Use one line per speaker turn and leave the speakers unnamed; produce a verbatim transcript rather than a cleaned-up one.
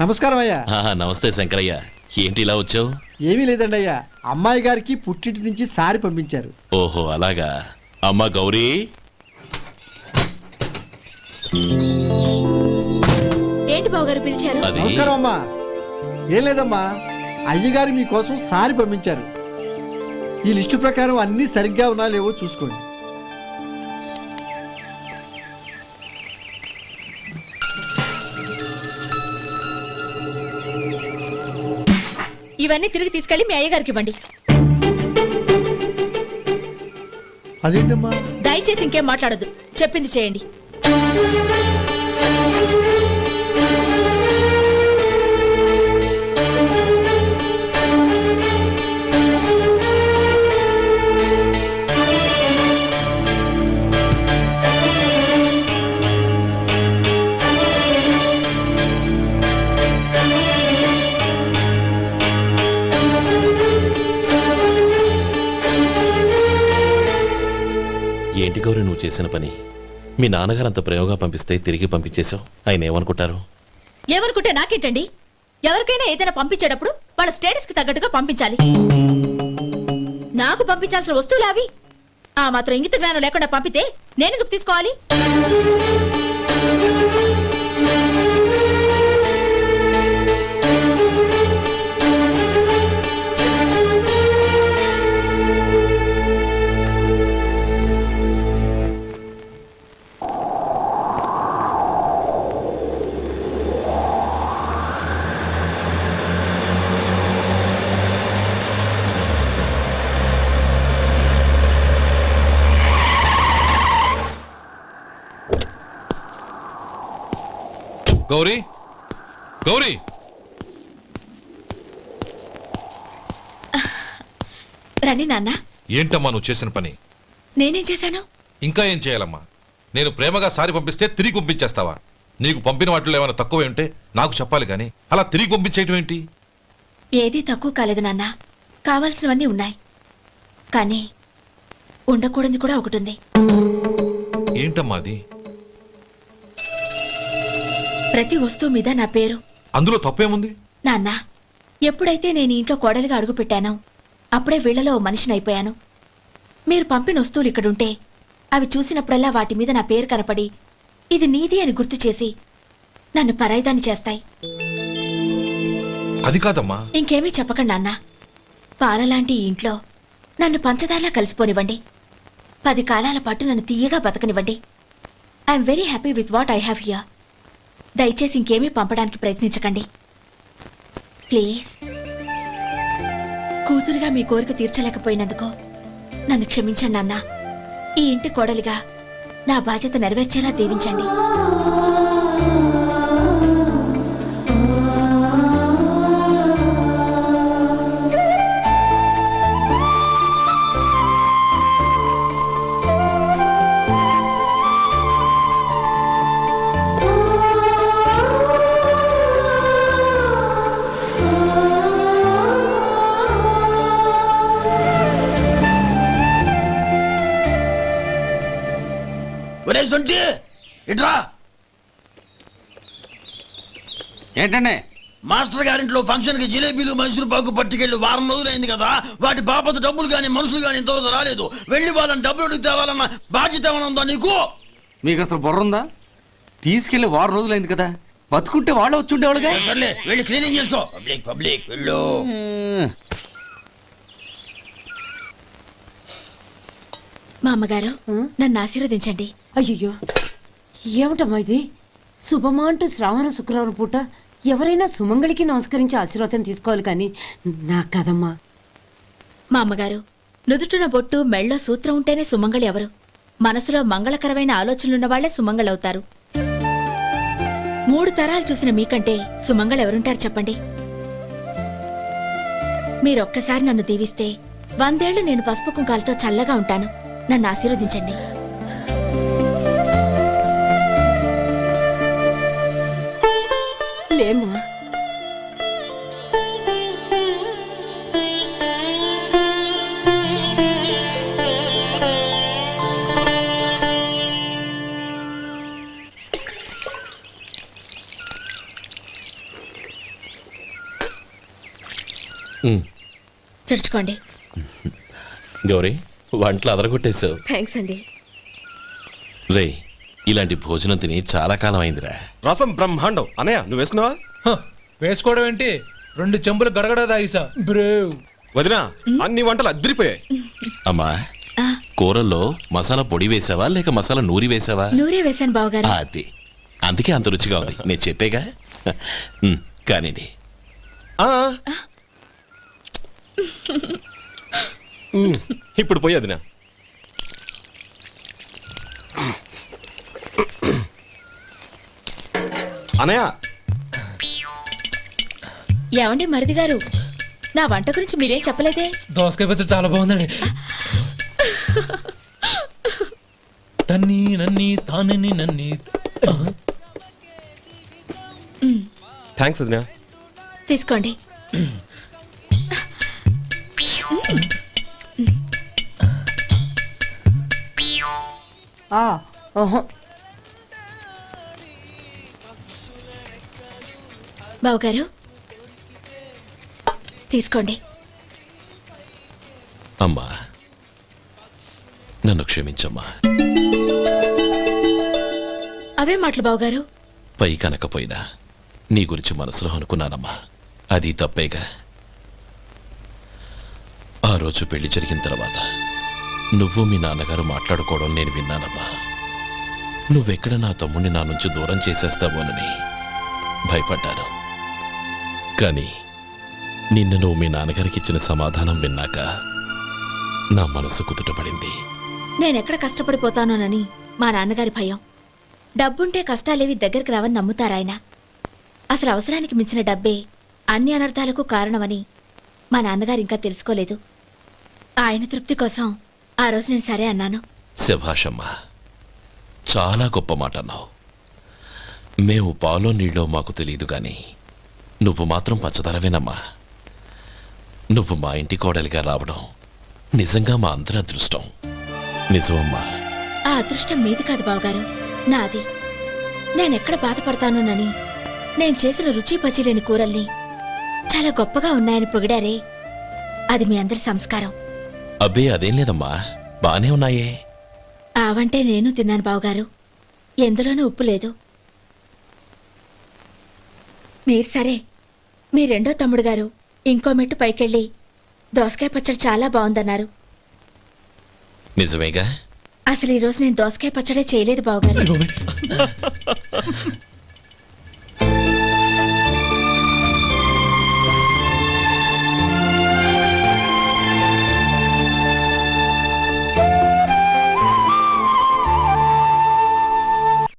నమస్కారం అయ్యా.
నమస్తే శంకరయ్య, ఏంటి ఇలా వచ్చావు?
ఏమీ లేదండి అయ్యా, అమ్మాయి గారికి పుట్టింటి నుంచి సారి పంపించారు.
ఓహో అలాగా. అమ్మా గౌరీ.
ఏంటి బావగారు పిలిచారు?
నమస్కారం అమ్మా. ఏం లేదమ్మా, అయ్యగారు మీకోసం సారి పంపించారు. ఈ లిస్టు ప్రకారం అన్ని సరిగ్గా ఉన్నా లేవో చూసుకోండి.
ఇవన్నీ తిరిగి తీసుకెళ్లి మీ అయ్యగారికి ఇవ్వండి.
అదేంటమ్మా?
దయచేసి ఇంకేం మాట్లాడొద్దు, చెప్పింది చేయండి.
ఏంటి గౌరీ నువ్వు చేసిన పని? మీ నాన్నగారు అంత ప్రేమగా పంపిస్తే తిరిగి పంపించేశావు. ఆయన ఏమనుకుంటారు?
ఏమనుకుంటే నాకేంటండి? ఎవరికైనా ఏదైనా పంపించేటప్పుడు వాళ్ళ స్టేటస్ కి తగ్గట్టుగా పంపించాలి. నాకు పంపించాల్సిన వస్తువులు అవి. ఆ మాత్రం ఇంగిత జ్ఞానం లేకుండా పంపితే నేనెందుకు తీసుకోవాలి?
గౌరీ, గౌరీ,
రండి నాన్న.
ఏంటమ్మా నువ్వు చేసిన పని?
నేనేం చేశాను?
ఇంకా ఏం చేయాలమ్మా? నేను ప్రేమగా సారి పంపిస్తే తిరిగి పంపించేస్తావా? నీకు పంపిన వాటిలో ఏమైనా తక్కువ ఉంటే నాకు చెప్పాలి కానీ అలా తిరిగి పంపించేయటం ఏంటి?
ఏదీ తక్కువ కాలేదు నాన్న, కావాల్సినవన్నీ ఉన్నాయి. కానీ ఉండకూడదు కూడా ఒకటి ఉంది.
ఏంటమ్మా అది?
ప్రతి వస్తువు మీద నా పేరు.
అందులో తప్పేముంది?
నాన్న, ఎప్పుడైతే నేను ఇంట్లో కోడలిగా అడుగు పెట్టానో అప్పుడే వీళ్లలో మనిషిని అయిపోయాను. మీరు పంపిన వస్తువులు ఇక్కడుంటే అవి చూసినప్పుడల్లా వాటి మీద నా పేరు కనపడి ఇది నీది అని గుర్తు చేసి నన్ను పరాయిదాన్ని చేస్తాయి.
అది కాదమ్మా.
ఇంకేమీ చెప్పకండి నాన్న. పాలలాంటి ఈ ఇంట్లో నన్ను పంచదారలా కలిసిపోనివ్వండి. పది కాలాల పాటు నన్ను తీయగా బతకనివ్వండి. I'm very happy with what I have here. దయచేసి ఇంకేమీ పంపడానికి ప్రయత్నించకండి ప్లీజ్. కూతురుగా మీ కోరిక తీర్చలేకపోయినందుకు నన్ను క్షమించండి నాన్న. ఈ ఇంటి కోడలిగా నా బాధ్యత నెరవేర్చేలా దీవించండి.
ఏంటండి?
మాస్టర్ గారింట్లో ఫంక్షన్ కి జిలేబీలు మైసూరు పాకు పట్టుకెళ్ళి వారం రోజులైంది కదా. వాటి బాపత డబ్బులు కానీ మనుషులు కానీ ఇంతవరకు రాలేదు. వెళ్ళి వాళ్ళని డబ్బులు అడిగి తేవాలన్న బాధ్యత ఏమైనా ఉందా నీకు?
మీకు అసలు బుర్ర ఉందా? తీసుకెళ్లి వారం రోజులైంది కదా, బతుకుంటే వాళ్ళు వచ్చి ఉండేవాళ్ళుగా.
సర్లే వెళ్ళి క్లీనింగ్ చేసుకో. పబ్లిక్ పబ్లిక్ వెళ్ళు.
మా అమ్మగారు నన్ను ఆశీర్వదించండి.
అయ్యో ఏమిటమ్మా ఇది? శుభమా అంటూ శ్రావణ శుక్రవారం పూట ఎవరైనా సుమంగళికి నమస్కరించి ఆశీర్వాదం తీసుకోవాలి కానీ నాకు కదమ్మా.
మా అమ్మగారు నుదుటిన బొట్టు మెళ్ళో సూత్రం ఉంటేనే సుమంగళి ఎవరు? మనసులో మంగళకరమైన ఆలోచనలున్న వాళ్లే సుమంగళవుతారు. మూడు తరాలు చూసిన మీకంటే సుమంగళ ఎవరుంటారు చెప్పండి? మీరొక్కసారి నన్ను దీవిస్తే వందేళ్లు నేను పసుపు కుంకాలతో చల్లగా ఉంటాను. నన్ను ఆశీర్వదించండి.
లేమ్మా,
తుడుచుకోండి.
గౌరీ వంటలు అదరగొట్టేశావు.
థ్యాంక్స్ అండి.
రే ఇలాంటి భోజనం తిని చాలా కాలం అయిందిరా.
రసం బ్రహ్మాండం. అనయ్య నువ్వు వేసుకున్నావా?
హ, వేసుకోవడం ఏంటి, రెండు చెంబులు గడగడ తాగిసా బ్రేవ్.
వదినా అన్ని వంటలు అద్దరిపోయాయి.
అమ్మా
ఆ,
కూరల్లో మసాలా పొడి వేసావా లేక మసాలా నూరి వేసావా?
నూరే వేశాను బావగారు.
అది అందుకే అంత రుచిగా ఉంది. నేను చెప్పేగా. ఉమ్, కానివ్వండి.
ఆ. ఉమ్, ఇప్పుడు పోయి వదినా. అనయ్య
ఏమండి మరిది గారు, నా వంట గురించి మీరేం చెప్పలేదే?
దోసకాయ పచ్చడి చాలా బాగుందండి. తన్ని నన్ని తానని నన్ని.
థ్యాంక్స్ వదినా.
తీసుకోండి.
ఆ, ఓహో.
బావగారు తీసుకోండి.
అమ్మా నన్ను క్షమించమ్మా.
అవే మాటలు బావగారు.
పై కనకపోయినా నీ గురించి మనసులో అనుకున్నానమ్మా. అది తప్పేగా. ఆ రోజు పెళ్లి జరిగిన తర్వాత నువ్వు మీ నాన్నగారు మాట్లాడుకోవడం నేను విన్నానమ్మా. నువ్వెక్కడ నా తమ్ముడిని నా నుంచి దూరం చేసేస్తావోనని భయపడ్డాను. కానీ నిన్న నువ్వు మీ నాన్నగారికి ఇచ్చిన సమాధానం విన్నాక నా మనసు కుదుటపడింది.
నేనెక్కడ కష్టపడిపోతానోనని మా నాన్నగారి భయం. డబ్బుంటే కష్టాలేవి దగ్గరికి రావని నమ్ముతారాయన. అసలు అవసరానికి మించిన డబ్బే అన్ని అనర్థాలకు కారణమని మా నాన్నగారు ఇంకా తెలుసుకోలేదు. ఆయన తృప్తి కోసం ఆ రోజు నేను సరే అన్నాను.
శభాషమ్మా, చాలా గొప్ప మాట అన్నావు. మేము పాలో నీళ్ళో మాకు తెలియదు గాని నువ్వు మాత్రం పచ్చదరవేనమ్మా. నువ్వు మా ఇంటి కోడలిగా రావడం నిజంగా మా అందరి అదృష్టం. నిజమమ్మా.
ఆ అదృష్టం మీది కాదు బావగారు, నాది. నేనెక్కడ బాధపడతానోనని నేను చేసిన రుచి పచిలేని కూరల్ని చాలా గొప్పగా ఉన్నాయని పొగిడారే, అది మీ అందరి సంస్కారం.
అబ్బే అదేం లేదమ్మా, బానే ఉన్నాయే.
ఆవంటే నేను తిన్నాను బావగారు, ఎందులోనూ ఉప్పు లేదు. మీరు సరే, మీ రెండో తమ్ముడు గారు ఇంకో మెట్టు పైకెళ్ళి దోసకాయ పచ్చడి చాలా బాగుందన్నారు.
నిజమేగా.
అసలు ఈరోజు నేను దోసకాయ పచ్చడే చేయలేదు బావగారు.